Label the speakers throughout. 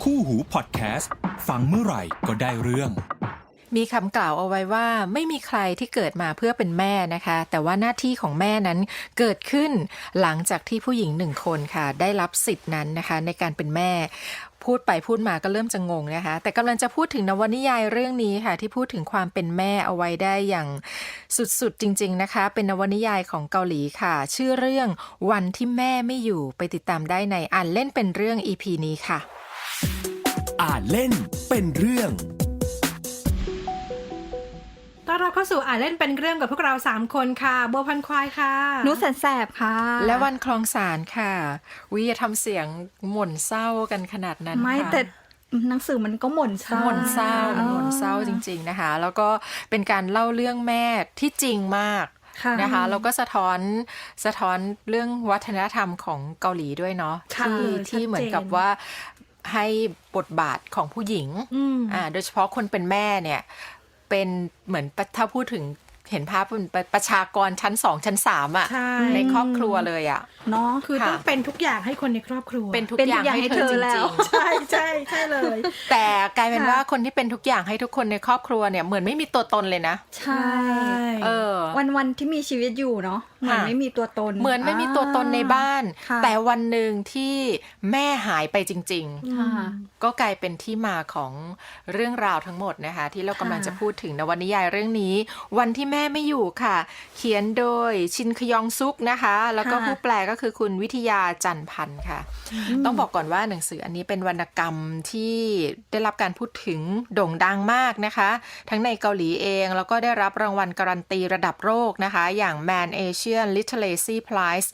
Speaker 1: คู่หูพอดแคสต์ฟังเมื่อไหร่ก็ได้เรื่อง
Speaker 2: มีคำกล่าวเอาไว้ว่าไม่มีใครที่เกิดมาเพื่อเป็นแม่นะคะแต่ว่าหน้าที่ของแม่นั้นเกิดขึ้นหลังจากที่ผู้หญิงหนึ่งคนค่ะได้รับสิทธินั้นนะคะในการเป็นแม่พูดไปพูดมาก็เริ่มจะงงนะคะแต่กำลังจะพูดถึงนวนิยายเรื่องนี้ค่ะที่พูดถึงความเป็นแม่เอาไว้ได้อย่างสุดๆจริงๆนะคะเป็นนวนิยายของเกาหลีค่ะชื่อเรื่องวันที่แม่ไม่อยู่ไปติดตามได้ในอ่านเล่นเป็นเรื่อง EP นี้ค่ะ
Speaker 1: อ่านเล่นเป็นเรื่อง
Speaker 3: ต้อนรับเข้าสู่อ่านเล่นเป็นเรื่องกับพวกเรา3คนค่ะบัวพันควายค่ะ
Speaker 4: นุชแสนแสบค่ะ
Speaker 2: และวันคลองสารค่ะวิอย่าทำเสียงหม่นเศร้ากันขนาดนั้น
Speaker 4: ไม่แต่หนังสือมันก็หม่นเศร้า
Speaker 2: หม่นเศร้าจริงๆนะคะแล้วก็เป็นการเล่าเรื่องแม่ที่จริงมากนะคะแล้วก็สะท้อนเรื่องวัฒนธรรมของเกาหลีด้วยเนาะที่เหมือนกับว่าให้บทบาทของผู้หญิงโดยเฉพาะคนเป็นแม่เนี่ยเป็นเหมือนถ้าพูดถึงเห็นภาพเป็นประชากรชั้น2ชั้น3อ่ะในครอบครัวเลยอ่ะ
Speaker 3: เนาะคือต้องเป็นทุกอย่างให้คนในครอบครัว
Speaker 2: เป็นทุกอย่างให้เธอจริง
Speaker 3: ๆใช่เลย
Speaker 2: แต่กลายเป็นว่าคนที่เป็นทุกอย่างให้ทุกคนในครอบครัวเนี่ยเหมือนไม่มีตัวตนเลยนะ
Speaker 4: ใช่วันที่มีชีวิตอยู่เนาะเหมือนไม่มีตัวตน
Speaker 2: เหมือนไม่มีตัวตนในบ้านแต่วันหนึ่งที่แม่หายไปจริงๆก็กลายเป็นที่มาของเรื่องราวทั้งหมดนะคะที่เรากำลังจะพูดถึงในวรรณนิยายเรื่องนี้วันที่แม่ไม่อยู่ค่ะเขียนโดยชินคยองซุกนะคะแล้วก็ผู้แปลก็คือคุณวิทยาจันพันธ์ค่ะต้องบอกก่อนว่าหนังสืออันนี้เป็นวรรณกรรมที่ได้รับการพูดถึงโด่งดังมากนะคะทั้งในเกาหลีเองแล้วก็ได้รับรางวัลการันตีระดับโลกนะคะอย่าง Man Asian Literacy Prize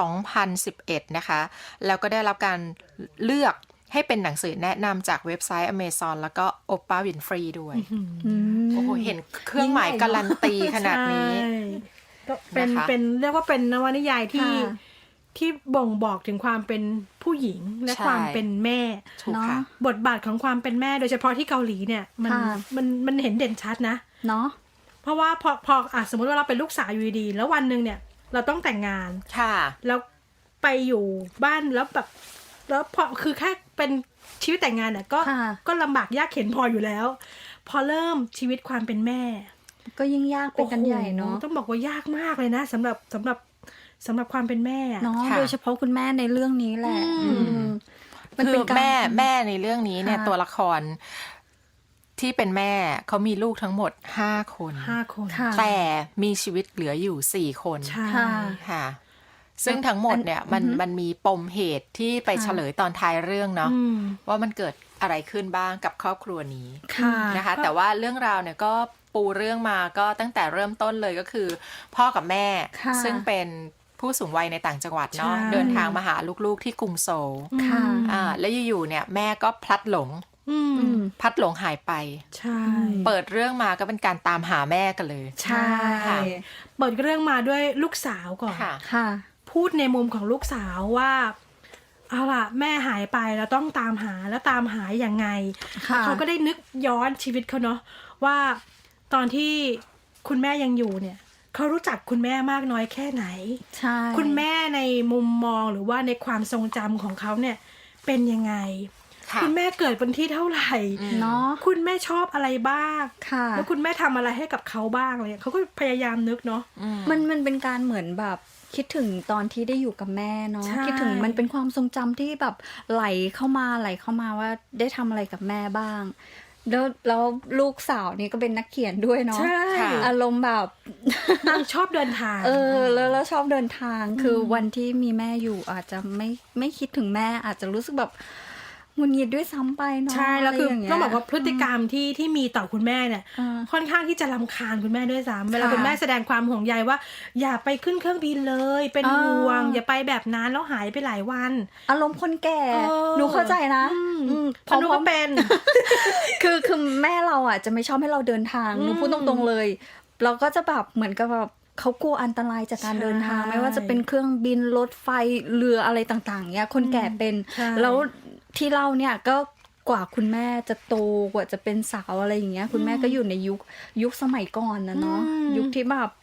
Speaker 2: 2011นะคะแล้วก็ได้รับการเลือกให้เป็นหนังสือแนะนำจากเว็บไซต์ Amazon แล้วก็ Oprah Winfrey ด้วยโอ้โหเห็นเครื่องหมายการันตีขนาดนี้
Speaker 3: เป็นเรียกว่าเป็นนวนิยายที่บ่งบอกถึงความเป็นผู้หญิงและความเป็นแม่
Speaker 2: เนาะ
Speaker 3: บทบาทของความเป็นแม่โดยเฉพาะที่เกาหลีเนี่ยมันเห็นเด่นชัดนะ
Speaker 4: เนาะ
Speaker 3: เพราะว่าพอสมมติว่าเราเป็นลูกสาวอยู่ดีแล้ววันนึงเนี่ยเราต้องแต่งงานแล้วไปอยู่บ้านแล้วแบบแล้วพอคือแค่เป็นชีวิตแต่งงานเนี่ยก็ลำบากยากเข็ญพออยู่แล้วพอเริ่มชีวิตความเป็นแม่
Speaker 4: ก็ยิ่งยากเป็นกันใหญ่เนาะ
Speaker 3: ต้องบอกว่ายากมากเลยนะสำหรับความเป็นแม่
Speaker 4: เนาะโดยเฉพาะคุณแม่ในเรื่องนี้แหละ
Speaker 2: คือแม่ในเรื่องนี้เนี่ยตัวละครที่เป็นแม่เขามีลูกทั้งหมด5 คนแต่มีชีวิตเหลืออยู่4 คนค่ะซึ่งทั้งหมดเนี่ยมันมีปมเหตุที่ไปเฉลยตอนท้ายเรื่องเนาะว่ามันเกิดอะไรขึ้นบ้างกับครอบครัวนี้นะคะแต่ว่าเรื่องราวเนี่ยก็ปูเรื่องมาก็ตั้งแต่เริ่มต้นเลยก็คือพ่อกับแม่ซึ่งเป็นผู้สูงวัยในต่างจังหวัดเนาะเดินทางมาหาลูกๆที่กรุงโซลแล้วอยู่ๆเนี่ยแม่ก็พลัดหลงหายไปเปิดเรื่องมาก็เป็นการตามหาแม่กันเลย
Speaker 3: ใช่เปิดเรื่องมาด้วยลูกสาวก่อนพูดในมุมของลูกสาวว่าเอาล่ะแม่หายไปแล้วต้องตามหาแล้วตามหาอย่างไงเขาก็ได้นึกย้อนชีวิตเขาเนาะว่าตอนที่คุณแม่ยังอยู่เนี่ยเขารู้จักคุณแม่มากน้อยแค่ไหนคุณแม่ในมุมมองหรือว่าในความทรงจำของเขาเนี่ยเป็นยังไงคุณแม่เกิดวันที่เท่าไหร่
Speaker 4: เนาะ
Speaker 3: คุณแม่ชอบอะไรบ้างแล้วคุณแม่ทำอะไรให้กับเขาบ้างอะไรเขาก็พยายามนึกเนาะ
Speaker 4: มันเป็นการเหมือนแบบคิดถึงตอนที่ได้อยู่กับแม่เนาะคิดถึงมันเป็นความทรงจำที่แบบไหลเข้ามาว่าได้ทำอะไรกับแม่บ้างแล้วลูกสาวนี่ก็เป็นนักเขียนด้วยเนาะอารมณ์แบบ
Speaker 3: นางชอบเดินทาง
Speaker 4: แล้วชอบเดินทางคือวันที่มีแม่อยู่อาจจะไม่คิดถึงแม่อาจจะรู้สึกแบบหงุดหงิดด้วยซ้ำไปเนาะ
Speaker 3: ใช่แล้วคือต้องบอกว่าพฤติกรรมที่มีต่อคุณแม่เนี่ยค่อนข้างที่จะรำคาญคุณแม่ด้วยซ้ำเวลาคุณแม่แสดงความห่วงใยว่าอย่าไปขึ้นเครื่องบินเลยเป็นห่วงอย่าไปแบบนั้นแล้วหายไปหลายวัน
Speaker 4: อารมณ์คนแก่หนูเข้าใจนะ
Speaker 3: เพราะหนูก็เป็น
Speaker 4: คือแม่เราอ่ะจะไม่ชอบให้เราเดินทางหนูพูดตรงๆเลยเราก็จะแบบเหมือนกับแบบเขากลัวอันตรายจากการเดินทางไม่ว่าจะเป็นเครื่องบินรถไฟเรืออะไรต่างๆเนี่ยคนแก่เป็นแล้วที่เล่าเนี่ยก็กว่าคุณแม่จะโตกว่าจะเป็นสาวอะไรอย่างเงี้ยคุณแม่ก็อยู่ในยุคสมัยก่อนนะเนาะยุคที่แบบ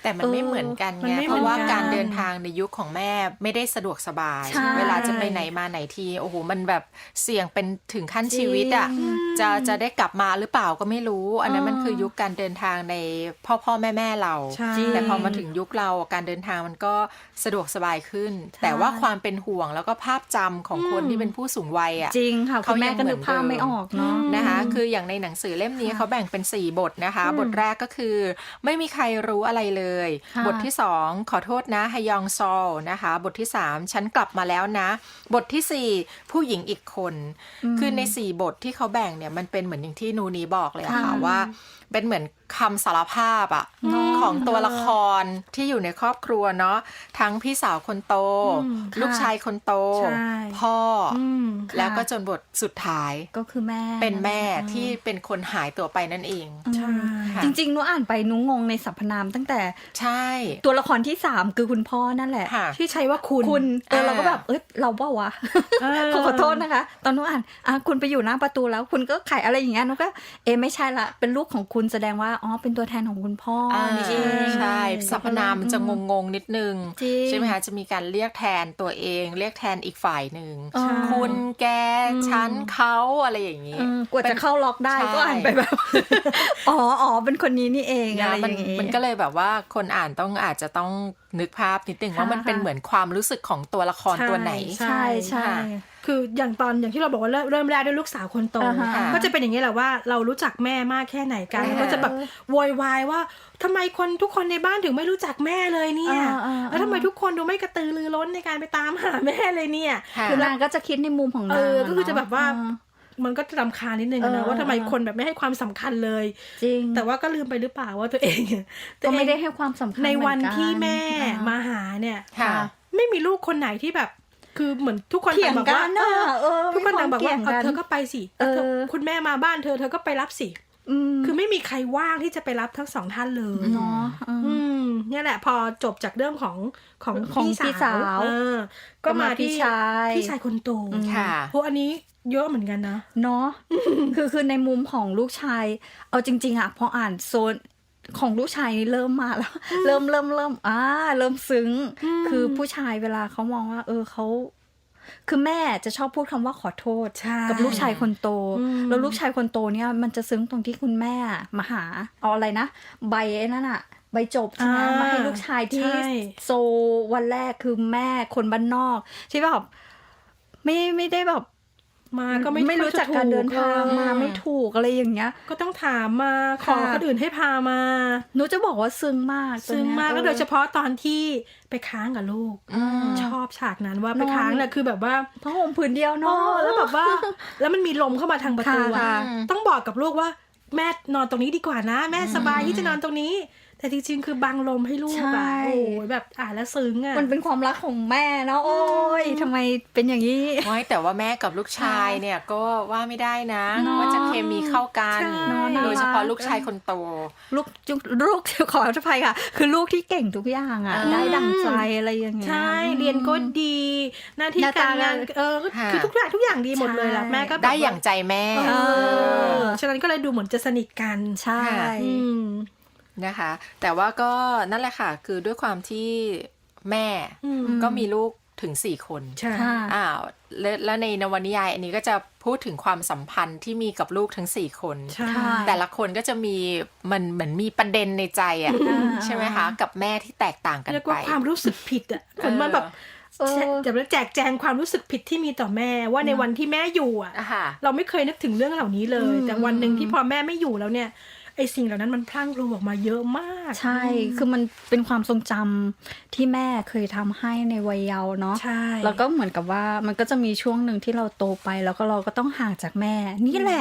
Speaker 2: แต่มันไม่เหมือนกัน
Speaker 3: มัน
Speaker 2: ไง
Speaker 3: ไม่
Speaker 2: เพราะว่า
Speaker 3: เหมือนกัน
Speaker 2: การเดินทางในยุคของแม่ไม่ได้สะดวกสบาย
Speaker 4: ใช่
Speaker 2: เวลาจะไปไหนมาไหนทีโอ้โหมันแบบเสี่ยงเป็นถึงขั้นชีวิตอ่ะจะได้กลับมาหรือเปล่าก็ไม่รู้ อันนั้นมันคือยุคการเดินทางในพ่อแม่เรา
Speaker 3: ใช่
Speaker 2: แต่พอมาถึงยุคเราการเดินทางมันก็สะดวกสบายขึ้น แต่ว่าความเป็นห่วงแล้วก็ภาพจำของคนที่เป็นผู้สูงวัยอ่ะ
Speaker 4: จริงค่ะคุณแม่ก็นึกภาพไม่ออกเนาะ
Speaker 2: นะคะคืออย่างในหนังสือเล่มนี้เขาแบ่งเป็น4บทนะคะบทแรกก็คือไม่มีใครรู้อะไรเลย
Speaker 4: ค่ะ
Speaker 2: บทที่2ขอโทษนะฮยองซอลนะคะบทที่3ฉันกลับมาแล้วนะบทที่4ผู้หญิงอีกคนคือใน4บทที่เขาแบ่งเนี่ยมันเป็นเหมือนอย่างที่นูนีบอกเลยอะค่ะว่าเป็นเหมือนคำสารภาพอะของตัวละครที่อยู่ในครอบครัวเนาะทั้งพี่สาวคนโต ลูกชายคนโต
Speaker 3: ใช่
Speaker 2: พ่ออ
Speaker 4: ค่ะ
Speaker 2: แล้วก็จนบทสุดท้าย
Speaker 4: ก็คือแม่
Speaker 2: เป็นแม่ที่เป็นคนหายตัวไปนั่นเอง
Speaker 3: ใช่
Speaker 2: ค่ะ
Speaker 4: จริงๆหนูอ่านไปหนูงงในสรรพนามตั้งแต่
Speaker 2: ใช่
Speaker 4: ตัวละครที่3คือคุณพ่อนั่นแหละ
Speaker 2: ค่ะ
Speaker 3: ที่ใช้ว่าคุณ
Speaker 4: คุณเราก็แบบเราเปล่าวะ ขอโทษนะคะ ตอนหนูอ่านคุณไปอยู่หน้าประตูแล้วคุณก็ขายอะไรอย่างเงี้ยหนูก็ไม่ใช่ละเป็นลูกของคุณแสดงว่าเป็นตัวแทนของคุณพ่อนี่เอง
Speaker 2: ใช่สรรพนามมันจะงงๆนิดนึง
Speaker 4: จริง
Speaker 2: ใช่ไหมคะจะมีการเรียกแทนตัวเองเรียกแทนอีกฝ่ายหนึ่ง
Speaker 4: ใช่
Speaker 2: คุณแกฉันเขาอะไรอย่างนี้
Speaker 4: กว่าจะเข้าล็อกได้
Speaker 2: ใช่
Speaker 4: ก็อ่านไปแบบ อ๋อเป็นคนนี้นี่เองอะไรอ
Speaker 2: มัน
Speaker 4: ย่างงี้
Speaker 2: มันก็เลยแบบว่าคนอ่านอาจจะต้องนึกภาพนิดนึงว่ามันเป็นเหมือนความรู้สึกของตัวละครตัวไหน
Speaker 3: ใช่
Speaker 4: ใช่
Speaker 3: คืออย่างที่เราบอกว่าเริ่มแรกด้วยลูกสาวคนโต
Speaker 4: อ่าฮะ
Speaker 3: ก็จะเป็นอย่างนี้แหละว่าเรารู้จักแม่มากแค่ไหนกัน
Speaker 2: อ่า
Speaker 3: ก็จะแบบโวยวายว่าทำไมทุกคนในบ้านถึงไม่รู้จักแม่เลยเนี่ยแล้วทำไมทุกคนดูไม่กระตือรือร้นในการไปตามหาแม่เลยเนี่ย
Speaker 2: ค่ะ
Speaker 4: คือนางก็จะคิดในมุมของนาง
Speaker 3: ก็คือจะแบบว่ามันก็จะรำคาญนิดนึงนะว่าทำไมคนแบบไม่ให้ความสำคัญเลย
Speaker 4: จริง
Speaker 3: แต่ว่าก็ลืมไปหรือเปล่าว่าตัวเอง
Speaker 4: ก็ไม่ได้ให้ความสำคัญ
Speaker 3: ในวัน
Speaker 4: เหมือนกัน
Speaker 3: ที่แม่
Speaker 4: อ่าม
Speaker 3: มาหาเนี่ย
Speaker 2: ค่ะ
Speaker 3: ไม่มีลูกคนไหนที่แบบคือเหมือนทุกคน
Speaker 4: เถียง
Speaker 3: ต่างบอก
Speaker 4: กั
Speaker 3: ว่าน
Speaker 4: น่ะ
Speaker 3: ทุกคนต่างบอกว่า
Speaker 4: มีควมถียง
Speaker 3: เธอก็ไปสิคุณแม่มาบ้านเธอก็ไปรับสิคือไม่มีใครว่างที่จะไปรับทั้งสองท่านเลย
Speaker 4: เนาะ
Speaker 3: เนี่ยแหละพอจบจากเรื่องของ
Speaker 4: ของพี่
Speaker 3: พี่
Speaker 4: สาว
Speaker 3: ก็มาที่
Speaker 4: พี่ชาย
Speaker 3: คนโต
Speaker 2: ค่ะ
Speaker 3: พวกอันนี้เยอะเหมือนกันนะ
Speaker 4: เนาะ คือในมุมของลูกชายเอาจริงๆอ่ะพออ่านโซนของลูกชายนี่เริ่มมาแล้ว เริ่มเริ่มซึ้งคือผู้ชายเวลาเขามองว่าเขาคือแม่จะชอบพูดคำว่าขอโทษ
Speaker 3: ใช่
Speaker 4: กับลูกชายคนโตแล้วลูกชายคนโตเนี่ยมันจะซึ้งตรงที่คุณแม่มาหาเอาอะไรนะใบไอ้นั่นอะใบจบใช่ไหมมาให้ลูกชายที่โซวันแรกคือแม่คนบ้านนอกที่แบบไม่ได้แบบ
Speaker 3: มาก็ไม่
Speaker 4: ไม่รู้จักการเดินทางมาไม่ถูกอะไรอย่างเงี้ย
Speaker 3: ก็ต้องถามมาขอคนอื่นให้พามา
Speaker 4: หนูจะบอกว่าซึ้งมาก
Speaker 3: ซึ้งมากแล้วโดยเฉพาะตอนที่ไปค้างกับลูกชอบฉากนั้นว่าไปค้างเนี่ยคือแบบว่า
Speaker 4: ผ้าห่มผืนเดียวเนาะ
Speaker 3: แล้วแบบว่าแล้วมันมีลมเข้ามาทางประตู
Speaker 4: ค่ะ
Speaker 3: ต้องบอกกับลูกว่าแม่นอนตรงนี้ดีกว่านะ แม่สบายที่จะนอนตรงนี้ แต่จริงๆคือบังลมให้ลูกอะโอ้ยแบบอ่านแล้วซึ้งอะ
Speaker 4: มันเป็นความรักของแม่เนาะโอ้ยทำไมเป็นอย่างนี้
Speaker 2: แต่ว่าแม่กับลูกชายเนี่ยก็ว่าไม่ได้นะ
Speaker 4: เนอะ
Speaker 2: ว่าจะเคมีเข้ากัน
Speaker 3: ใช่
Speaker 2: โดยเฉพาะลูกชายคนโต
Speaker 4: ลูกขออภัยค่ะ คือลูกที่เก่งทุกอย่างอ่ะ ได้ดั่งใจอะไรอย่างเงี้ย
Speaker 3: ใช่เรียนก็ดีหน้าที่
Speaker 4: หน้า
Speaker 3: การ
Speaker 4: ตาง
Speaker 3: าน
Speaker 2: ค่ะ
Speaker 3: คือทุกอย่างดีหมดเลยล่ะ
Speaker 4: ใช่
Speaker 3: แม่ก็แบบ
Speaker 2: ได้อย่างใจแม่
Speaker 3: ฉะนั้นก็เลยดูเหมือนจะสนิทกัน
Speaker 4: ใช่
Speaker 3: อืม
Speaker 2: นะคะแต่ว่าก็นั่นแหละค่ะคือด้วยความที่แม่
Speaker 3: อืม
Speaker 2: ก็มีลูกถึง4 คน
Speaker 3: ใช่
Speaker 4: ค่ะ
Speaker 2: แล้วในนวนิยายอันนี้ก็จะพูดถึงความสัมพันธ์ที่มีกับลูกทั้ง4 คน
Speaker 3: ใช่
Speaker 2: แต่ละคนก็จะมีมันเหมือนมีประเด็นในใจอ่ะ
Speaker 4: อ่า
Speaker 2: ใช่ไหมคะกับแม่ที่แตกต่างกัน
Speaker 3: เรียก
Speaker 2: ไป
Speaker 3: ว่าความรู้สึกผิดอ่ะคนมันแบบ จะแจกแจงความรู้สึกผิดที่มีต่อแม่ว่าในวันที่แม่อยู่อ่ะ
Speaker 2: ค่ะ
Speaker 3: เราไม่เคยนึกถึงเรื่องเหล่านี้เลย แต่วันหนึ่งที่พอแม่ไม่อยู่แล้วเนี่ยไอ้สิ่งเหล่านั้นมันพลั่งพลูออกมาเยอะมาก
Speaker 4: ใช่ คือมันเป็นความทรงจำที่แม่เคยทำให้ในวัยเยาว์เนาะ
Speaker 3: ใช่
Speaker 4: แล้วก็เหมือนกับว่ามันก็จะมีช่วงหนึ่งที่เราโตไปแล้วก็เราก็ต้องห่างจากแม่ นี่แหละ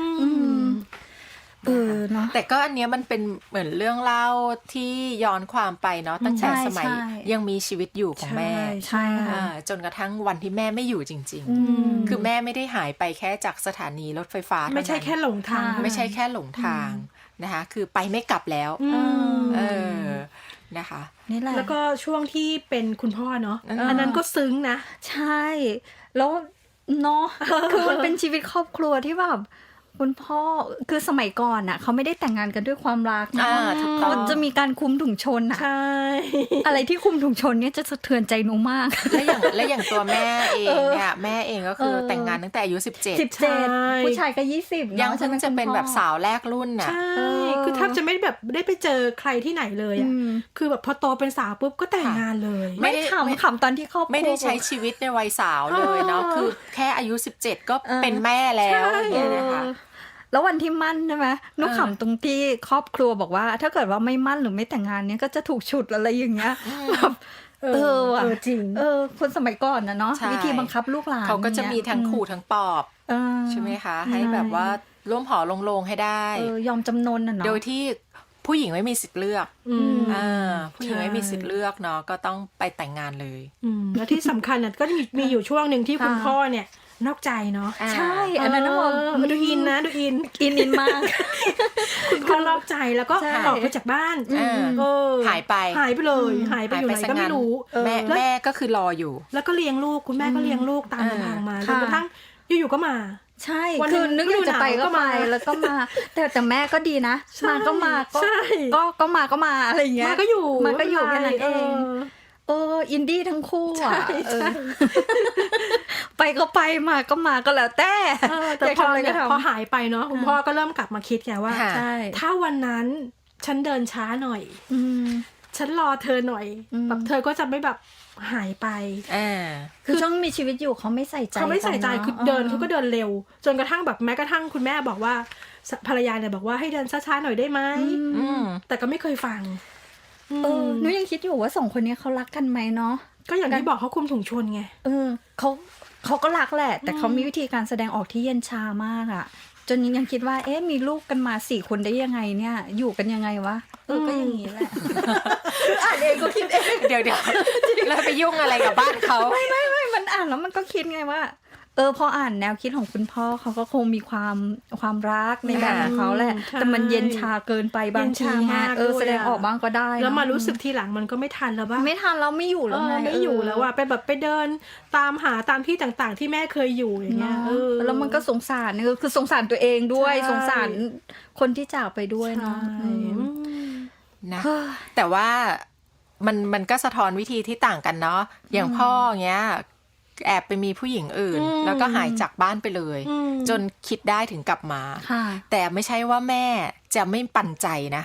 Speaker 4: เนาะ
Speaker 2: แต่ก็อันเนี้ยมันเป็นเหมือนเรื่องเล่าที่ย้อนความไปเนาะตั้งแต่
Speaker 4: ใช่
Speaker 2: สมัย
Speaker 4: ใช่
Speaker 2: ยังมีชีวิตอยู่ของแม่
Speaker 4: ใช่ค่ะ
Speaker 2: จนกระทั่งวันที่แม่ไม่อยู่จริง ๆ คือแม่ไม่ได้หายไปแค่จากสถานีรถไฟฟ้าเท่านั้น
Speaker 3: ไม่ใช่แค่หลงทาง
Speaker 2: ไม่ใช่แค่หลงทางนะคะคือไปไม่กลับแล้วนะคะ
Speaker 4: นี่แหละ
Speaker 3: แล้วก็ช่วงที่เป็นคุณพ่อเนาะ
Speaker 2: อืม
Speaker 3: อันนั้นก็ซึ้งนะ
Speaker 4: ใช่ แล้วเนาะ คือมันเป็นชีวิตครอบครัวที่แบบคุณพ่อคือสมัยก่อนน่ะเขาไม่ได้แต่งงานกันด้วยความรักนะ
Speaker 2: ถูกต้
Speaker 4: เขา
Speaker 2: อง
Speaker 4: จะมีการคุมถุงชนอะ
Speaker 3: ใช่
Speaker 4: อะไรที่คุมถุงชนเนี่ยจะสะเทือนใจหนูมาก
Speaker 2: และอย่างตัวแม่เองเนี่ยแม่เองก็คือแต่งงานตั้งแต่อายุ17
Speaker 4: ผู้ชายก็20
Speaker 2: ยังเพิ่งจะเป็นแบบสาวแรกรุ่นน่ะ
Speaker 3: ใช่คือแทบจะไม่แบบได้ไปเจอใครที่ไหนเลยอ่ะคือแบบพอโตเป็นสาวปุ๊บก็แต่งงานเลย
Speaker 2: ไม่
Speaker 4: ไม่
Speaker 2: ได้
Speaker 4: ขำตอนที่ครอบครัว
Speaker 2: ไม่ได้ใช้ชีวิตในวัยสาวเลยเนาะคือแค่อายุ17ก็เป็นแม่แล้วอย่างเงี้ยนะคะ
Speaker 4: แล้ววันที่มั่นใช่ไหมนุกขำตรงที่ครอบครัวบอกว่า ถ้าเกิดว่าไม่มั่นหรือไม่แต่งงานเนี้ยก็จะถูกฉุดอะไรอย่างเงี้ยแบบว่ะ
Speaker 3: จริง
Speaker 4: คนสมัยก่อนนะเนาะ
Speaker 2: ใช่
Speaker 4: วิธีบังคับลูกหลาน
Speaker 2: เขาก็จะมีทั้งขู่ทั้งปลอบใช่ไหมคะให้แบบว่าร่วมหอลงให้ได้
Speaker 4: ยอมจำนนน่ะเนาะ
Speaker 2: โดยที่ผู้หญิงไม่มีสิทธิ์เลือกผู้หญิงไม่มีสิทธิ์เลือกเนาะก็ต้องไปแต่งงานเลย
Speaker 3: แล้วที่สำคัญน่ะก็มีอยู่ช่วงหนึ่งที่คุณพ่อเนี่ยนอกใจเนาะ
Speaker 4: ใช่อันนั้นนะ
Speaker 3: ดูอินนะดูอินมากคุณพ่อนอกใจแล้วก็ออกไปจากบ้าน
Speaker 2: หายไป
Speaker 3: เลยหายไปอยู่ไหนก็ไม่รู้
Speaker 2: แม่ก็คือรออยู่
Speaker 3: แล้วก็เลี้ยงลูกคุณแม่ก็เลี้ยงลูกตามลำพังมาจนกระทั่งอยู่ๆก็มา
Speaker 4: ใช่คือนึกอยู่จะไปก็ไปแล้วก็มาแต่แม่ก็ดีนะมาก็มาก็มาอะไรอย่างเงี้ย
Speaker 3: มาก็อยู่
Speaker 4: แค่นั้นเองอินดี้ทั้งคู่อ่ะไปก็ไปมาก็แล้วแต่
Speaker 3: พอหายไปเนาะคุณพ่อก็เริ่มกลับมาคิดไงว่าถ้าวันนั้นฉันเดินช้าหน่อยฉันรอเธอหน่อยแบบเธอก็จะไม่แบบหายไป
Speaker 4: คือช่วงมีชีวิตอยู่เขาไม่ใส่ใจ
Speaker 3: คือเดินเขาก็เดินเร็วจนกระทั่งแบบแม้กระทั่งคุณแม่บอกว่าภรรยาเนี่ยบอกว่าให้เดินช้าๆหน่อยได้ไหมแต่ก็ไม่เคยฟัง
Speaker 4: หนูยังคิดอยู่ว่า2คนนี้เขารักกันไหมเนาะ
Speaker 3: ก็อย่างที่บอกเขาคุมถุงชนไง
Speaker 4: เขาก็รักแหละแต่เขามีวิธีการแสดงออกที่เย็นชามากอ่ะจนยังคิดว่ามีลูกกันมา4 คนได้ยังไงเนี่ยอยู่กันยังไงวะก็อย่างนี้แหละอ่านเองก็คิดเอง
Speaker 2: เดี๋ยวแล้วไปยุ่งอะไรกับบ้านเขา
Speaker 4: ไม่มันอ่านแล้วมันก็คิดไงว่าพออ่านแนวคิดของคุณพ่อเขาก็คงมีความรักในแบบของเขาแหละแต่มันเย็นชาเกินไปบางทีแสดงออกบ้างก็ได้
Speaker 3: แล้วมารู้สึกทีหลังมันก็ไม่ทันแล้วว่า
Speaker 4: ไม่ทันแล้วไม่อยู่แล้วไง
Speaker 3: ไม่อยู่แล้วว่าไปแบบไปเดินตามหาตามที่ต่างๆที่แม่เคยอยู่อย่างเงี้ย
Speaker 4: แล้วมันก็สงสารคือสงสารตัวเองด้วยสงสารคนที่จากไปด้วยเนาะ
Speaker 2: นะแต่ว่ามันก็สะท้อนวิธีที่ต่างกันเนาะอย่างพ่อเงี้ยแอบไปมีผู้หญิงอื่นแล้วก็หายจากบ้านไปเลยจนคิดได้ถึงกลับมาแต่ไม่ใช่ว่าแม่จะไม่ปั่นใจนะ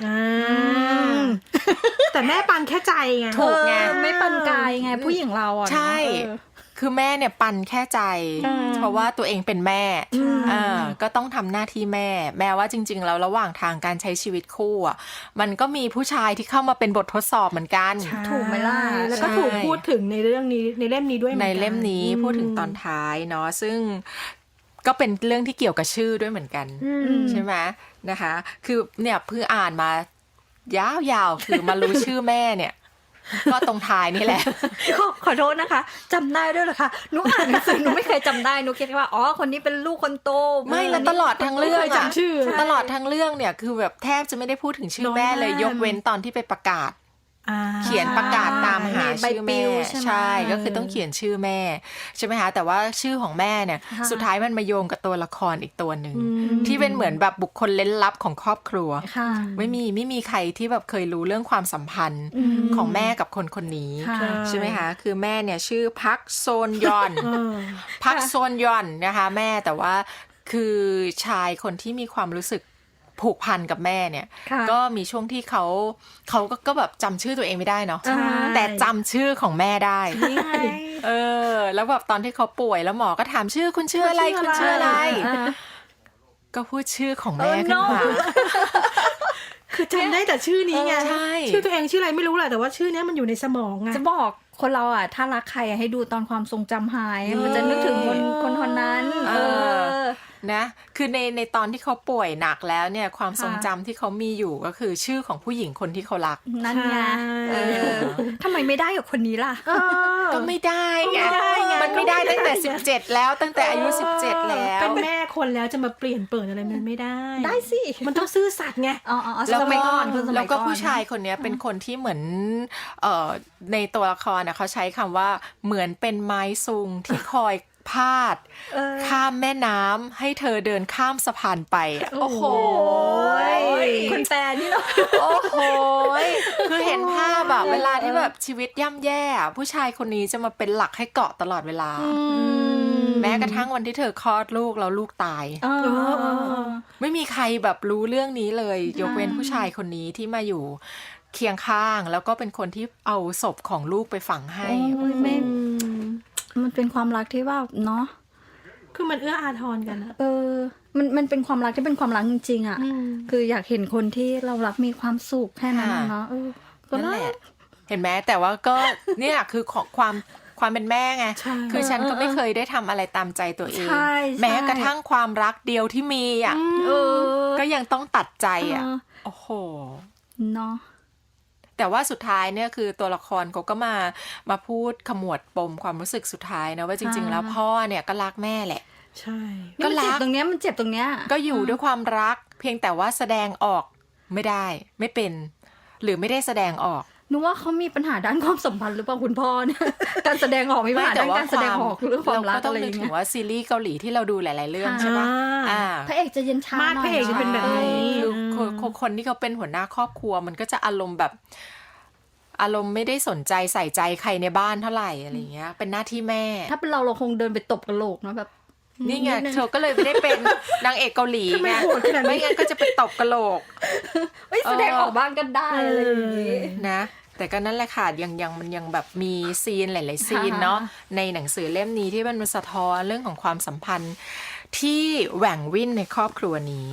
Speaker 3: แต่แม่ปั่นแค่ใจไง
Speaker 2: ถูกไง
Speaker 4: ไม่ปั่นกายไงผู้หญิงเราอ่ะ
Speaker 2: ใช่คือแม่เนี่ยปั่นแค่ใจเพราะว่าตัวเองเป็นแม่ก็ต้องทำหน้าที่แม่ว่าจริงๆแล้วระหว่างทางการใช้ชีวิตคู่อ่ะมันก็มีผู้ชายที่เข้ามาเป็นบททดสอบเหมือนกัน
Speaker 3: ถูกไหมล่ะแล้วก็ถูกพูดถึงในเรื่องนี้ในเล่มนี้ด้วย
Speaker 2: ในเล่มนี้พูดถึงตอนท้ายเนาะซึ่งก็เป็นเรื่องที่เกี่ยวกับชื่อด้วยเหมือนกันใช่ไหมนะคะคือเนี่ยเพิ่งอ่านมายาวๆคือมารู้ชื่อแม่เนี่ยก็ตรงท้ายนี่แหละ
Speaker 4: ขอโทษนะคะจำได้ด้วยเหรอคะหนูอ่านหนังสือหนูไม่เคยจำได้หนูคิดว่าคนนี้เป็นลูกคนโต
Speaker 2: ไม่แล้วตลอดทั้งเรื่องตลอดทั้งเรื่องเนี่ยคือแบบแทบจะไม่ได้พูดถึงชื่อแม่เลยยกเว้นตอนที่ไปประกาศเขียนประกาศตามหาชื่อแม่ใช่ก็คือต้องเขียนชื่อแม่ใช่ไหมคะแต่ว่าชื่อของแม่เนี่ยสุดท้ายมันมาโยงกับตัวละครอีกตัวหนึ่งที่เป็นเหมือนแบบบุคคลเล้นลับของครอบครัวไม่มีใครที่แบบเคยรู้เรื่องความสัมพันธ์ของแม่กับคนนี้ใช่ไหมคะคือแม่เนี่ยชื่อพักโซนยอนพักโซนยอนนะคะแม่แต่ว่าคือชายคนที่มีความรู้สึกผูกพันกับแม่เนี่ยก็มีช่วงที่เขาก็แบบจำชื่อตัวเองไม่ได้เนาะแต่จำชื่อของแม่ได้แล้วแบบตอนที่เขาป่วยแล้วหมอก็ถามชื่อคุณชื่ออะไรคุณชื่ออะไรก็พูดชื่อของแม่ขึ้นมา
Speaker 3: คือจำได้แต่ชื่อนี้ไงชื่อตัวเองชื่ออะไรไม่รู้แหละแต่ว่าชื่อนี้มันอยู่ในสมองไง
Speaker 4: จะบอกคนเราอ่ะถ้ารักใครให้ดูตอนความทรงจำหายมันจะนึกถึงคนนั้น
Speaker 2: นะคือในตอนที่เขาป่วยหนักแล้วเนี่ยความทรงจำที่เขามีอยู่ก็คือชื่อของผู้หญิงคนที่เขารัก
Speaker 4: นั่นไงทำไมไม่ได้กับคนนี้ล่ะ
Speaker 2: ก็ไม่ได้ไงมันไม่ได้ตั้งแต่17แล้วตั้งแต่อายุ17แล้ว
Speaker 3: เป็นแม่คนแล้วจะมาเปลี่ยนเปิดอะไรมันไม่ได้
Speaker 4: ได้สิ
Speaker 3: มันต้องซื่อสัตย์ไง
Speaker 2: แล้วก็ผู้ชายคนนี้เป็นคนที่เหมือนในตัวละครเขาใช้คำว่าเหมือนเป็นไม้ซุงที่คอยพาดข้ามแม่น้ำให้เธอเดินข้ามสะพานไปโอ้โห
Speaker 4: คนแปลนี่เนาะ
Speaker 2: โอ้โหคือเห็นภาพแบบเวลาที่แบบชีวิตย่ำแย่ผู้ชายคนนี้จะมาเป็นหลักให้เกาะตลอดเวลาแม้กระทั่งวันที่เธอคลอดลูกแล้วลูกตายไม่มีใครแบบรู้เรื่องนี้เลยยกเว้นผู้ชายคนนี้ที่มาอยู่เคียงข้างแล้วก็เป็นคนที่เอาศพของลูกไปฝังให้
Speaker 4: มันเป็นความรักที่ว่าเนาะ
Speaker 3: คือมันเอื้ออาทรกันอะ
Speaker 4: มันเป็นความรักที่เป็นความรักจริงๆอ่ะคืออยากเห็นคนที่เรารักมีความสุขแค่นั้นเนาะ
Speaker 2: ก็นั่นแหละเห็นไหมแต่ว่าก็เนี่ยคือความเป็นแม่ไงคือฉันก็ไม่เคยได้ทำอะไรตามใจตัวเองแม้กระทั่งความรักเดียวที่มีอ่ะก็ยังต้องตัดใจอ่ะโอ้โห
Speaker 4: เนาะ
Speaker 2: แต่ว่าสุดท้ายเนี่ยคือตัวละครเขาก็มาพูดขมวดปมความรู้สึกสุดท้ายนะว่าจริงๆแล้วพ่อเนี่ยก็รักแม่แหละ
Speaker 3: ใช่
Speaker 4: ก็รักตรงเนี้ยมันเจ็บตรงเนี้ย
Speaker 2: ก็อยู่ด้วยความรักเพียงแต่ว่าแสดงออกไม่ได้ไม่เป็นหรือไม่ได้แสดงออก
Speaker 4: นึกว่าเขามีปัญหาด้านความสัมพันธ์หรือเปล่าคุณพ่อเนี่ยการแสดงออกมีปัญหาด้านการแสดงออกเรื่องความรักอะไรอย่างเงี้ยเราก็ต้องนึก
Speaker 2: ถึงว่าซีรีส์เกาหลีที่เราดูหลายๆเรื่องใช่ปะ
Speaker 4: พระเอกจะเย็นชา
Speaker 3: พระเอกจะเป็นแบบนี้
Speaker 2: คนที่เขาเป็นหัวหน้าครอบครัวมันก็จะอารมณ์แบบอารมณ์ไม่ได้สนใจใส่ใจใครในบ้านเท่าไหร่อะไรเงี้ยเป็นหน้าที่แม่
Speaker 4: ถ้าเป็นเราคงเดินไปตบกระโหลกเนาะแบบ
Speaker 2: นี่ไงเธอก็เลยไม่ได้เป็นนางเอกเกาหลีไงไม่งั้นก็จะไปตบกระโหลก
Speaker 4: แสดงออกบ้างก็ได้อะไรอย่างงี้
Speaker 2: นะแต่ก็นั่นแหละค่ะมันยังแบบมีซีนหลายๆซีนเนาะในหนังสือเล่มนี้ที่มันสะท้อนเรื่องของความสัมพันธ์ที่แหว่งวิ่นในครอบครัวนี้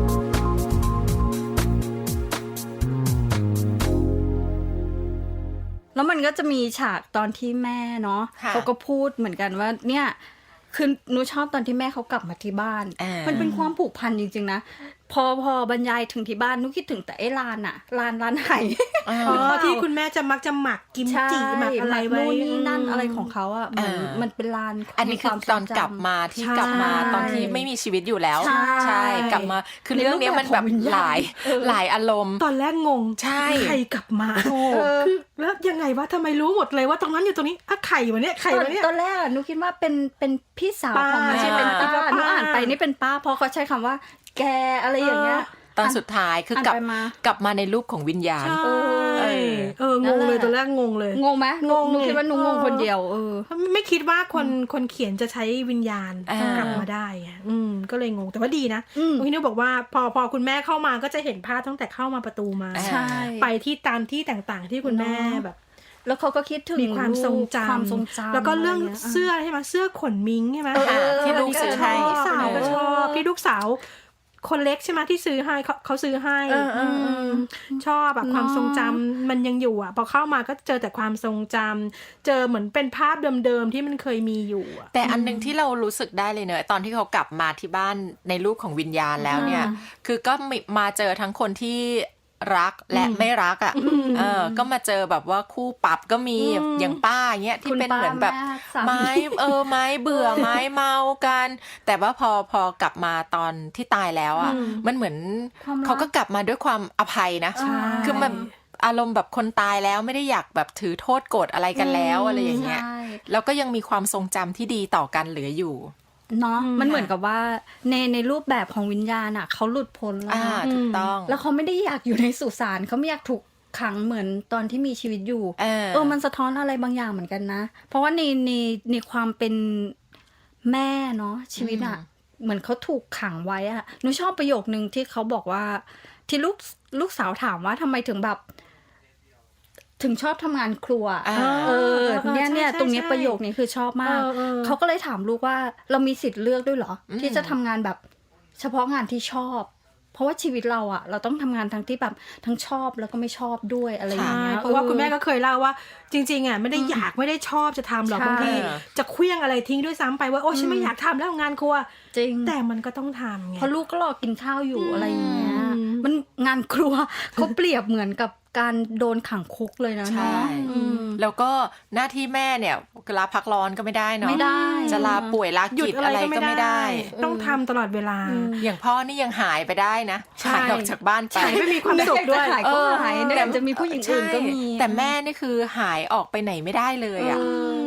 Speaker 4: แล้วมันก็จะมีฉากตอนที่แม่เนาะเขาก็พูดเหมือนกันว่าเนี่ยคือหนูชอบตอนที่แม่เขากลับมาที่บ้านมันเป็นความผูกพันจริงๆนะพอบรรยายถึงที่บ้านนุคิดถึงแต่ไอ้ลานอะลานไห
Speaker 3: ที่คุณแม่จะมักจะหมักกิมจิหมักอะไรไว้
Speaker 4: นู่นนี่นั่นอะไรของเขาอะมันเป็นลาน
Speaker 2: อันนี้คือตอนกลับมาที่กลับมาตอนที่ไม่มีชีวิตอยู่แล้วใช่กลับมาคือเรื่องนี้มันแบบหลายอารมณ์
Speaker 3: ตอนแรกงง
Speaker 2: ใช่
Speaker 3: ใครกลับมาคือแล้วยังไงวะทำไมรู้หมดเลยว่าตรงนั้นอยู่ตรงนี้อะไข่วะเนี่ยไข่วะเนี่ย
Speaker 4: ตอนแรกหนูคิดว่าเป็นพี่สาวของไม่ใช่เป็นป้าหนูอ่านไปนี่เป็นป้าเพราะเขาใช้คำว่าแกอะไรอย่างเงี้ย
Speaker 2: ตอนสุดท้ายคือกลับมาในรูปของวิญญาณ
Speaker 3: งงเลยตอนแรกงงเลย
Speaker 4: งงไหมงงคิดว่าหนูงงคนเดียว
Speaker 3: ไม่คิดว่าคนเขียนจะใช้วิญญาณกลับมาได้ก็เลยงงแต่ว่าดีนะพี่นุ๊กบอกว่าพอคุณแม่เข้ามาก็จะเห็นภาพตั้งแต่เข้ามาประตูมาไปที่ตามที่ต่างๆที่คุณแม่แบบ
Speaker 4: แล้วเขาก็คิดถึง
Speaker 3: มีความทรงจำแล้วก็เรื่องเสื้อใช่ไหมเสื้อขนมิ้งใช่ไหม
Speaker 2: ที่ลูกซื้อให้
Speaker 3: ลูกสาวก็ชอบที่ลูกสาวคนเล็กใช่ไหมที่ซื้อให้เขาซื้อให้ชอบแบบความทรงจำมันยังอยู่อ่ะพอเข้ามาก็เจอแต่ความทรงจำเจอเหมือนเป็นภาพเดิมๆที่มันเคยมีอยู่
Speaker 2: แต่อันนึงที่เรารู้สึกได้เลยเนอะตอนที่เขากลับมาที่บ้านในรูปของวิญญาณแล้วเนี่ยคือก็มาเจอทั้งคนที่รักและไม่รักอ่ะก็มาเจอแบบว่าคู่ปรับก็มีอย่างป้าเงี้ยที่เป็นเหมือนแบบไม้เบื่อไม้เมากันแต่ว่าพอกลับมาตอนที่ตายแล้วอ่ะมันเหมือนเขาก็กลับมาด้วยความอภัยนะคือมันอารมณ์แบบคนตายแล้วไม่ได้อยากแบบถือโทษโกรธอะไรกันแล้วอะไรอย่างเงี้ยแล้วก็ยังมีความทรงจำที่ดีต่อกันเหลืออยู่
Speaker 4: เนาะมันเหมือนกับว่าในรูปแบบของวิญญาณอ่ะเขาหลุดพ้นแล้ว
Speaker 2: ถูกต้อง
Speaker 4: แล้วเขาไม่ได้อยากอยู่ในสุสานเขาไม่อยากถูกขังเหมือนตอนที่มีชีวิตอยู่มันสะท้อนอะไรบางอย่างเหมือนกันนะเพราะว่าในความเป็นแม่เนาะชีวิตอ่ะเหมือนเขาถูกขังไว้อ่ะหนูชอบประโยคนึงที่เขาบอกว่าที่ลูกสาวถามว่าทำไมถึงแบบถึงชอบทำงานครัวเนี่ยตรงนี้ประโยคนี้คือชอบมากเขาก็เลยถามลูกว่าเรามีสิทธิ์เลือกด้วยเหรอที่จะทำงานแบบเฉพาะงานที่ชอบเพราะว่าชีวิตเราอ่ะเราต้องทำงานทั้งที่แบบทั้งชอบแล้วก็ไม่ชอบด้วยอะไรอย่างเงี้ย
Speaker 3: เพราะว่าคุณแม่ก็เคยเล่าว่าจริงๆอ่ะไม่ได้อยากไม่ได้ชอบจะทำหรอกบางทีจะเคลี้ยงอะไรทิ้งด้วยซ้ำไปว่าโอ้ฉันไม่อยากทำแล้วงานครัว
Speaker 4: จริง
Speaker 3: แต่มันก็ต้องทำไง
Speaker 4: เพราะลูกก็รอกินข้าวอยู่อะไรอย่างเงี้ยมันงานครัวเขาเปรียบเหมือนกับการโดนขังคุกเลยนะ
Speaker 2: ใช่แล้วก็หน้าที่แม่เนี่ยลาพักร้อนก็ไม่ได้เนาะ
Speaker 4: ไม่ได้
Speaker 2: จะลาป่วยลากิจอะไรก็ไม่ได้
Speaker 3: ต้องทำตลอดเวลา
Speaker 2: อย่างพ่อนี่ยังหายไปได้นะหายออกจากบ้านไป
Speaker 3: ไม่มีความสุขด้วย
Speaker 4: หายก็หายแต่จะมีผู้หญิงอื่นก็มี
Speaker 2: แต่แม่นี่คือหายออกไปไหนไม่ได้เลยอ่ะ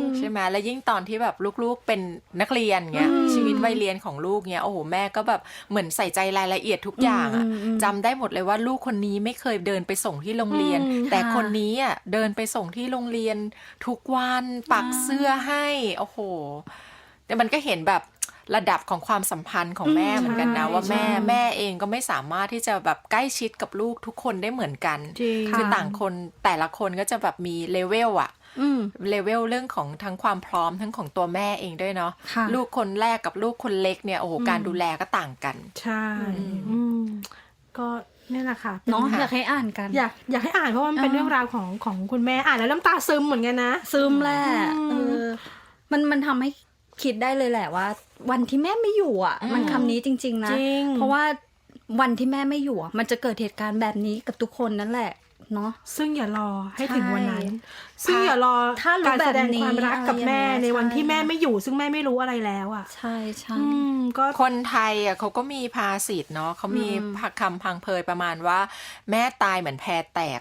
Speaker 2: ใช่ไหมแล้วยิ่งตอนที่แบบลูกๆเป็นนักเรียนเงี้ยชีวิตวัยเรียนของลูกเงี้ยโอ้โหแม่ก็แบบเหมือนใส่ใจรายละเอียดทุกอย่างอะจำได้หมดเลยว่าลูกคนนี้ไม่เคยเดินไปส่งที่โรงเรียน แต่คนนี้อ่ะเดินไปส่งที่โรงเรียนทุกวันปักเสื้อให้โอ้โหแต่มันก็เห็นแบบระดับของความสัมพันธ์ของแม่เหมือนกันนะว่าแม่เองก็ไม่สามารถที่จะแบบใกล้ชิดกับลูกทุกคนได้เหมือนกันคือต่างคนแต่ละคนก็จะแบบมีเลเวลอะเลเวลเรื่องของทั้งความพร้อมทั้งของตัวแม่เองด้วยเนาะลูกคนแรกกับลูกคนเล็กเนี่ยโอ้โหการดูแลก็ต่างกัน
Speaker 3: ใช่ก็นี่แหละค่ะ
Speaker 4: เนาะอยากให้อ่านกัน
Speaker 3: อยากให้อ่านเพราะว่ามันเป็นเรื่องราวของคุณแม่อ่านแล้วน้ำตาซึมเหมือนกันนะ
Speaker 4: ซึมแหละมันทำให้คิดได้เลยแหละว่าวันที่แม่ไม่อยู่อ่ะมันคำนี้จริงๆนะเพราะว่าวันที่แม่ไม่อยู่มันจะเกิดเหตุการณ์แบบนี้กับทุกคนนั่นแหละเนาะ
Speaker 3: ซึ่งอย่ารอให้ถึงวันนั้นซึ่งอย่ารอการแสดงความรักกับแม่ในวันที่แม่ไม่อยู่ซึ่งแม่ไม่รู้อะไรแล้วอ่ะ
Speaker 4: ใช่ใช่
Speaker 2: ก็คนไทยอ่ะเขาก็มีภาษิตเนาะเขามีคำพังเพยประมาณว่าแม่ตายเหมือนแพแตก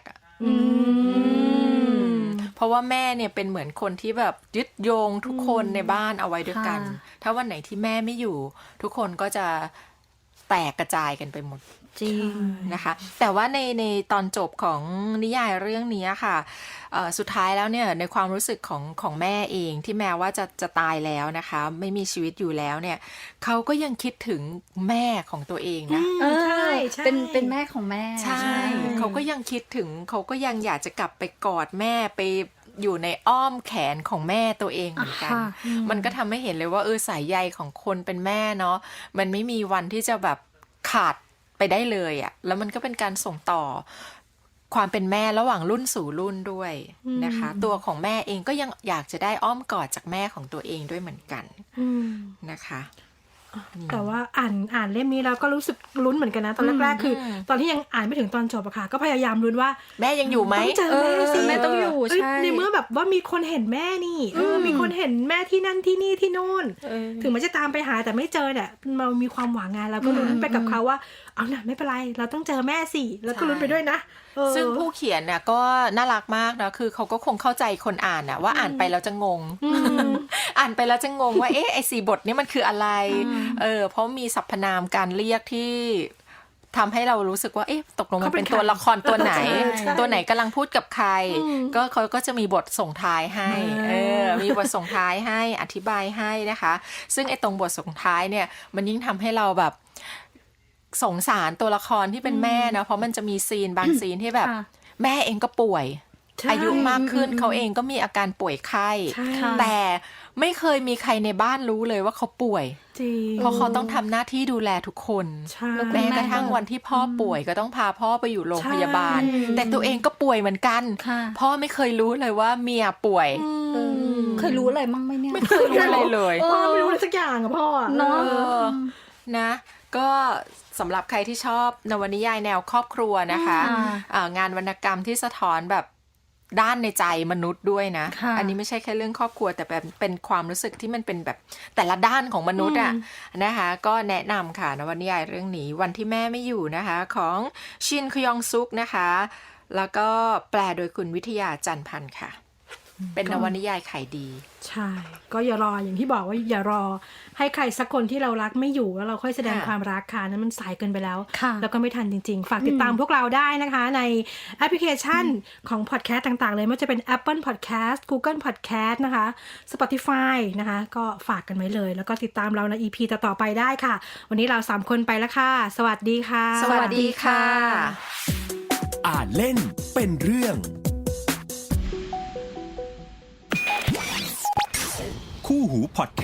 Speaker 2: เพราะว่าแม่เนี่ยเป็นเหมือนคนที่แบบยึดโยงทุกคนในบ้านเอาไว้ด้วยกันถ้าวันไหนที่แม่ไม่อยู่ทุกคนก็จะแตกกระจายกันไปหมด
Speaker 4: จริง
Speaker 2: นะคะแต่ว่าในตอนจบของนิยายเรื่องนี้ค่ะสุดท้ายแล้วเนี่ยในความรู้สึกของแม่เองที่แม้ว่าจะตายแล้วนะคะไม่มีชีวิตอยู่แล้วเนี่ยเขาก็ยังคิดถึงแม่ของตัวเองนะ
Speaker 3: ใช่
Speaker 4: เป็นแม่ของแม่
Speaker 2: ใช่เขาก็ยังคิดถึงเขาก็ยังอยากจะกลับไปกอดแม่ไปอยู่ในอ้อมแขนของแม่ตัวเองเหมือนกันมันก็ทำให้เห็นเลยว่าสายใยของคนเป็นแม่เนาะมันไม่มีวันที่จะแบบขาดไปได้เลยอ่ะแล้วมันก็เป็นการส่งต่อความเป็นแม่ระหว่างรุ่นสู่รุ่นด้วยนะคะตัวของแม่เองก็ยังอยากจะได้อ้อมกอดจากแม่ของตัวเองด้วยเหมือนกันนะคะ
Speaker 3: แต่ว่าอ่านเล่มนี้แล้วก็รู้สึกลุ้นเหมือนกันนะตอนแรกๆคือตอนที่ยังอ่านไม่ถึงตอนจบอะค่ะก็พยายามลุ้นว่า
Speaker 2: แม่ยังอยู่ไหม
Speaker 3: ต้องเจอแม่สิ
Speaker 4: แม่ต้องอยู่ใช่
Speaker 3: ในเมื่อแบบว่ามีคนเห็นแม่นี่มีคนเห็นแม่ที่นั่นที่นี่ที่โน่นถึงมันจะตามไปหาแต่ไม่เจอเนี่ยเรามีความหวังงานเราก็ลุ้นไปกับเขาว่าเอาหน่ะไม่เป็นไรเราต้องเจอแม่สิแล้วก็ลุ้นไปด้วยนะ
Speaker 2: ซึ่งผู้เขียนน่ะก็น่ารักมากนะคือเขาก็คงเข้าใจคนอ่านน่ะว่าอ่านไปแล้วจะงงอ่านไปแล้วจะงงว่าไอ้4 บทนี้มันคืออะไรเพราะมีสรรพนามการเรียกที่ทำให้เรารู้สึกว่าตกลงมันเป็นตัวละครตัวไหนตัวไหนกำลังพูดกับใครก็เขาก็จะมีบทส่งท้ายให้มีบทส่งท้ายให้อธิบายให้นะคะซึ่งไอ้ตรงบทส่งท้ายเนี่ยมันยิ่งทำให้เราแบบสงสารตัวละครที่เป็นแม่เนาะเพราะมันจะมีซีนบางซีนที่แบบแม่เองก็ป่วยอายุมากขึ้นเขาเองก็มีอาการป่วยไข้แต่ไม่เคยมีใครในบ้านรู้เลยว่าเขาป่วยเพราะเขาต้องทำหน้าที่ดูแลทุกคนแม้กระทั่งวันที่พ่อป่วยก็ต้องพาพ่อไปอยู่โรงพยาบาลแต่ตัวเองก็ป่วยเหมือนกันพ่อไม่เคยรู้เลยว่าเมียป่วย
Speaker 4: เคยรู้อะไรมั่งไหมเนี่ย
Speaker 2: ไม่เคยรู้อะไรเลย
Speaker 3: พ่อไม่รู้อะไรสักอย่างอะพ่อ
Speaker 2: เนาะนะก็สำหรับใครที่ชอบนวนิยายแนวครอบครัวนะคะงานวรรณกรรมที่สะท้อนแบบด้านในใจมนุษย์ด้วยนะอันนี้ไม่ใช่แค่เรื่องครอบครัวแต่เป็นความรู้สึกที่มันเป็นแบบแต่ละด้านของมนุษย์อ่ะนะคะก็แนะนำค่ะนวนิยายเรื่องนี้วันที่แม่ไม่อยู่นะคะของชินคยองซุกนะคะแล้วก็แปลโดยคุณวิทยาจันทร์พันธ์ค่ะเป็นนวนิยายขายดี
Speaker 3: ใช่ก็อย่ารออย่างที่บอกว่าอย่ารอให้ใครสักคนที่เรารักไม่อยู่แล้วเราค่อยแสดงความรักค่ะนั้นมันสายเกินไปแล้วแล้วก็ไม่ทันจริงๆฝากติดตามพวกเราได้นะคะในแอปพลิเคชันของพอดแคสต์ต่างๆเลยไม่ว่าจะเป็น Apple Podcast Google Podcast นะคะ Spotify นะคะก็ฝากกันไว้เลยแล้วก็ติดตามเราใน EP ต่อๆไปได้ค่ะวันนี้เรา3คนไปแล้วค่ะสวัสดีค่ะ
Speaker 2: สวัสดีค่ะ
Speaker 1: อ่านเล่นเป็นเรื่องคู่หูพอดแค